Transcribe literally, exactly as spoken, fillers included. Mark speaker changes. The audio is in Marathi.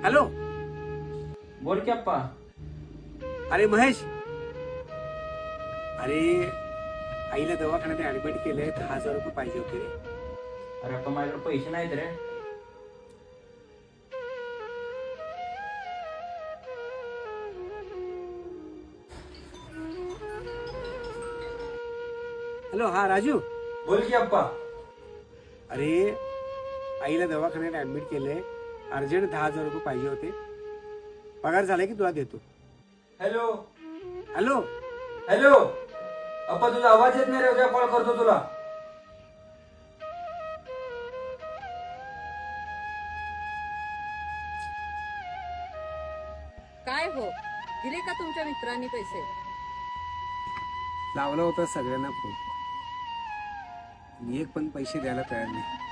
Speaker 1: हॅलो.
Speaker 2: बोल की अप्पा.
Speaker 1: अरे महेश, अरे आईला दवाखान्यात ऍडमिट केलंय, दहा हजार रुपये पाहिजे होते रे.
Speaker 2: अरे अप्पा माझ्याकडे पैसे नाहीत रे.
Speaker 1: हॅलो, हा राजू.
Speaker 2: बोल की अप्पा.
Speaker 1: अरे आईला दवाखान्यात ऍडमिट केलंय, अर्जंट दहा हजार रुपये पाहिजे होते. पगार झाला की तुला देतो.
Speaker 2: Hello
Speaker 1: hello.
Speaker 2: हॅलो अप्पा, तुझा आवाज येत नाही रे. उद्या कॉल करतो तुला.
Speaker 3: काय हो, दिले का तुमच्या मित्रांनी पैसे?
Speaker 1: लावला होता सगळ्यांना फोन, एक पण पैसे द्यायला तयार नाही.